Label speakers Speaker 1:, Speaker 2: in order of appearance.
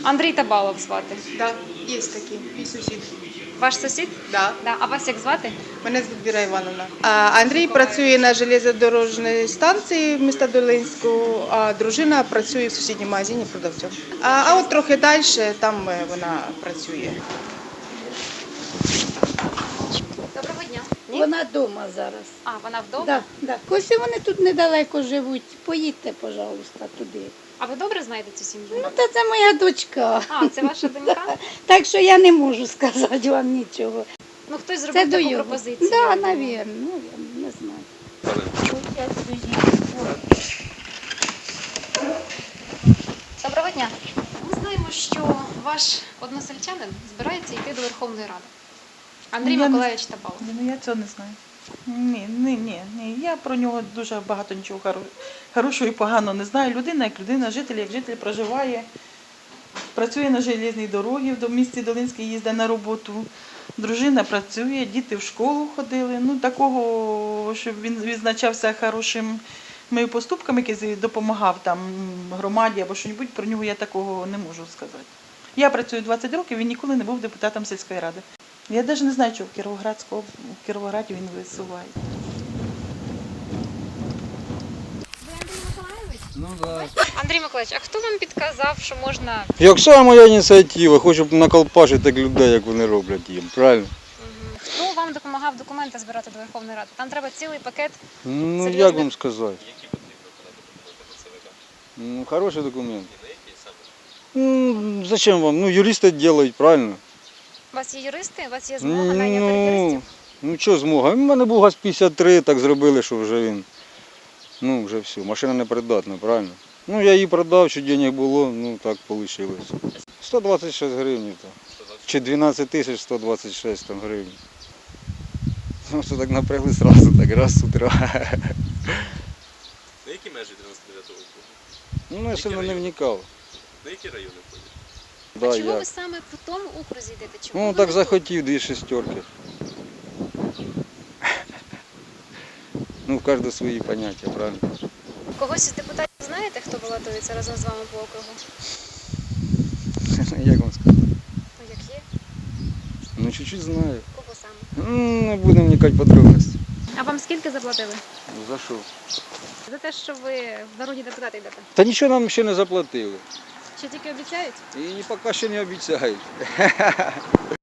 Speaker 1: Андрій Табалов звати.
Speaker 2: Так, є такі, мій сусід.
Speaker 1: Ваш сусід?
Speaker 2: Да.
Speaker 1: Да. А вас як звати?
Speaker 2: Мене звуть Віра Івановна. Андрій працює на железнодорожній станції міста Долинську, а дружина працює в сусідньому магазині продавцем. А от трохи далі там вона працює.
Speaker 1: Доброго дня.
Speaker 3: Вона вдома зараз.
Speaker 1: А, вона вдома?
Speaker 3: Да, да. Ось вони тут недалеко живуть. Поїдьте, пожалуйста, туди.
Speaker 1: А ви добре знаєте цю сім'ю?
Speaker 3: Ну, та це моя дочка.
Speaker 1: А, це ваша донька?
Speaker 3: Так що я не можу сказати вам нічого.
Speaker 1: Ну, хтось
Speaker 3: Це
Speaker 1: зробив
Speaker 3: до
Speaker 1: таку
Speaker 3: його.
Speaker 1: пропозицію.
Speaker 3: Так, навірно, не знаю.
Speaker 1: Доброго дня. Ми знаємо, що ваш односельчанин збирається йти до Верховної Ради. Андрій Миколайович Табалов.
Speaker 4: Ну, я цього не знаю. Ні. Я про нього дуже багато нічого хорошого і поганого не знаю. Людина як людина, житель як житель проживає, працює на железній дорогі в місті Долинській, їздить на роботу. Дружина працює, діти в школу ходили. Ну, такого, щоб він відзначався хорошими поступками, який допомагав там громаді або щось, про нього я такого не можу сказати. Я працюю 20 років, він ніколи не був депутатом сільської ради. Я навіть не знаю, чого в Кіровограді він висуває.
Speaker 1: Ви Андрій Миколайович?
Speaker 5: Ну да.
Speaker 1: Андрій Миколайович, а хто вам підказав, що можна...
Speaker 5: Як сама моя ініціатива, хочу наколпашити так людей, як вони роблять їм, правильно?
Speaker 1: Хто вам допомагав документи збирати до Верховної Ради? Там треба цілий пакет.
Speaker 5: Ну,
Speaker 1: Серйозно?
Speaker 5: як вам сказати? Ну, хороший документ. Ну, зачем вам? Ну, юристи роблять, правильно?
Speaker 1: У вас є юристи? У вас є змога найняти юристів?
Speaker 5: Ну, що змога? У мене був ГАЗ-53, так зробили, що вже він, ну, вже все, машина непридатна, правильно? Ну, я її продав, що денег було, ну, так вийшло. 126 гривень, там. Чи 12 тисяч 126 там, гривень. Ну, що так напрягли одразу, так раз з утра.
Speaker 6: На які межі 99-го року?
Speaker 5: Ну, я сильно не вникав.
Speaker 6: На які райони ходять?
Speaker 1: А
Speaker 5: Да,
Speaker 1: чого ви
Speaker 5: як?
Speaker 1: саме по тому окрузі йдете? Чого
Speaker 5: Ну,
Speaker 1: ви
Speaker 5: так
Speaker 1: не
Speaker 5: захотів, 2 шестерки. Ну, в кожного свої поняття, правильно?
Speaker 1: тут? Когось із депутатів знаєте, хто балотується разом з вами по округу?
Speaker 5: Як вам сказати?
Speaker 1: Ну, як є?
Speaker 5: Ну, чуть-чуть знаю.
Speaker 1: Кого саме?
Speaker 5: Ну, не будемо вникати в подробності.
Speaker 1: А вам скільки заплатили?
Speaker 5: Ну, за що?
Speaker 1: За те, що ви в народні депутати йдете?
Speaker 5: Та нічого нам ще не заплатили.
Speaker 1: Чи тільки обіцяють?
Speaker 5: І поки ще не обіцяють.